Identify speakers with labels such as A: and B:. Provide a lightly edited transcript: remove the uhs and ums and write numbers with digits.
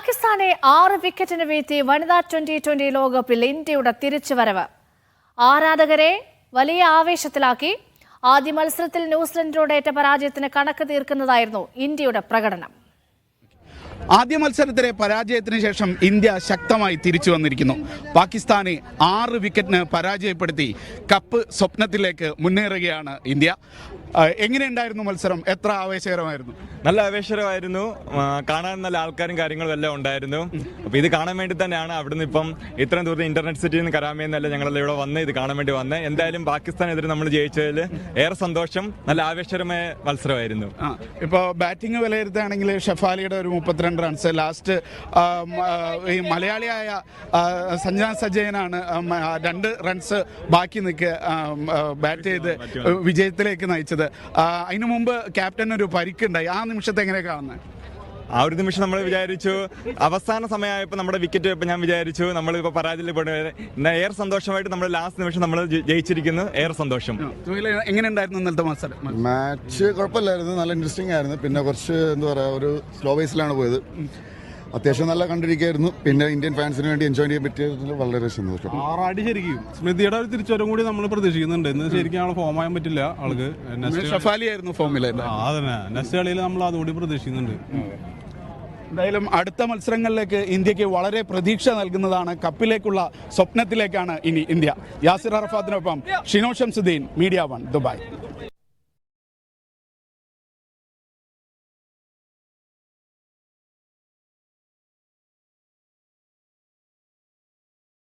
A: പാകിസ്ഥാനെ 6 വിക്കറ്റിന് വീഴ്ത്തി വനിതാ ട്വന്റി ലോകകപ്പിൽ ഇന്ത്യയുടെ തിരിച്ചുവരവ് ആരാധകരെ വലിയ ആവേശത്തിലാക്കി. ആദ്യ മത്സരത്തിൽ ന്യൂസിലൻഡിനോടേറ്റ പരാജയത്തിന് കണക്ക് തീർക്കുന്നതായിരുന്നു ഇന്ത്യയുടെ പ്രകടനം.
B: ആദ്യ മത്സരത്തിലെ പരാജയത്തിന് ശേഷം ഇന്ത്യ ശക്തമായി തിരിച്ചു വന്നിരിക്കുന്നു. പാകിസ്ഥാനെ 6 വിക്കറ്റിന് പരാജയപ്പെടുത്തി കപ്പ് സ്വപ്നത്തിലേക്ക് മുന്നേറുകയാണ് ഇന്ത്യ. എങ്ങനെയുണ്ടായിരുന്നു മത്സരം? എത്ര ആവേശകരമായിരുന്നു?
C: നല്ല ആവേശകരമായിരുന്നു. കാണാൻ നല്ല ആൾക്കാരും കാര്യങ്ങളും എല്ലാം ഉണ്ടായിരുന്നു. അപ്പോൾ ഇത് കാണാൻ വേണ്ടി തന്നെയാണ് അവിടുന്ന് ഇപ്പം ഇത്രയും ദൂരത്ത് ഇന്റർനെറ്റ് സിറ്റിയിൽ നിന്ന് കരാമയെന്നല്ല ഞങ്ങളെല്ലാം ഇവിടെ വന്ന് ഇത് കാണാൻ വേണ്ടി വന്നത്. എന്തായാലും പാകിസ്ഥാനെതിരെ നമ്മൾ ജയിച്ചതിൽ ഏറെ സന്തോഷം. നല്ല ആവേശകരമായ മത്സരമായിരുന്നു.
B: ഇപ്പോൾ ബാറ്റിംഗ് വിലയിരുത്തുകയാണെങ്കിൽ ഷെഫാലിയുടെ ഒരു 32 റൺസ്, ലാസ്റ്റ് ഈ മലയാളിയായ സഞ്ജന സജയനാണ് 2 റൺസ് ബാക്കി നിൽക്കുക ബാറ്റ് ചെയ്ത് വിജയത്തിലേക്ക് നയിച്ചത്. അതിനു മുമ്പ് ക്യാപ്റ്റൻ ഒരു പരിക്കുണ്ടായി. ആ നിമിഷത്തെ എങ്ങനെ കാണുന്നത്?
C: ആ ഒരു നിമിഷം നമ്മൾ വിചാരിച്ചു, അവസാന സമയമായപ്പോൾ നമ്മുടെ വിക്കറ്റ് പോയപ്പോൾ ഞാൻ വിചാരിച്ചു നമ്മളിപ്പോൾ പരാജയപ്പെടുന്നത്. ഏറെ സന്തോഷമായിട്ട് നമ്മൾ ലാസ്റ്റ് നിമിഷം നമ്മൾ ജയിച്ചിരിക്കുന്നു. ഏറെ സന്തോഷം.
B: എങ്ങനെയുണ്ടായിരുന്നു ഇന്നലത്തെ മത്സരം?
D: മാച്ച് കുഴപ്പമില്ലായിരുന്നു, നല്ല ഇൻട്രസ്റ്റിംഗ് ആയിരുന്നു. പിന്നെ കുറച്ച് എന്താ പറയുക, ഒരു സ്ലോ ബേസിലാണ് പോയത്. അത്യാവശ്യം നല്ല കണ്ടിരിക്കുകയായിരുന്നു. പിന്നെ ഇന്ത്യൻ ഫാൻസിന് വേണ്ടി എൻജോയ് ചെയ്യാൻ പറ്റിയതിൽ വളരെ സന്തോഷം.
E: ആറാടി ശരിക്കും സ്മൃതിയുടെ ഒരു തിരിച്ചുവരും കൂടി നമ്മൾ പ്രതീക്ഷിക്കുന്നുണ്ട്. ഇന്ന് ശരിക്കും ആളെ ഫോം ആകാൻ പറ്റില്ല. ആൾക്ക്
B: ഷെഫാലി ആയിരുന്നു ഫോമിൽ.
E: അതന്നെ നെക്സ്റ്റ് കളിയിൽ നമ്മൾ അതുകൂടി പ്രതീക്ഷിക്കുന്നുണ്ട്.
B: എന്തായാലും അടുത്ത മത്സരങ്ങളിലേക്ക് ഇന്ത്യക്ക് വളരെ പ്രതീക്ഷ നൽകുന്നതാണ്. കപ്പിലേക്കുള്ള സ്വപ്നത്തിലേക്കാണ് ഇനി ഇന്ത്യ. യാസിർ അറഫാത്തിനൊപ്പം ഷിനോ ഷംസുദ്ദീൻ, മീഡിയ 1, ദുബായ്.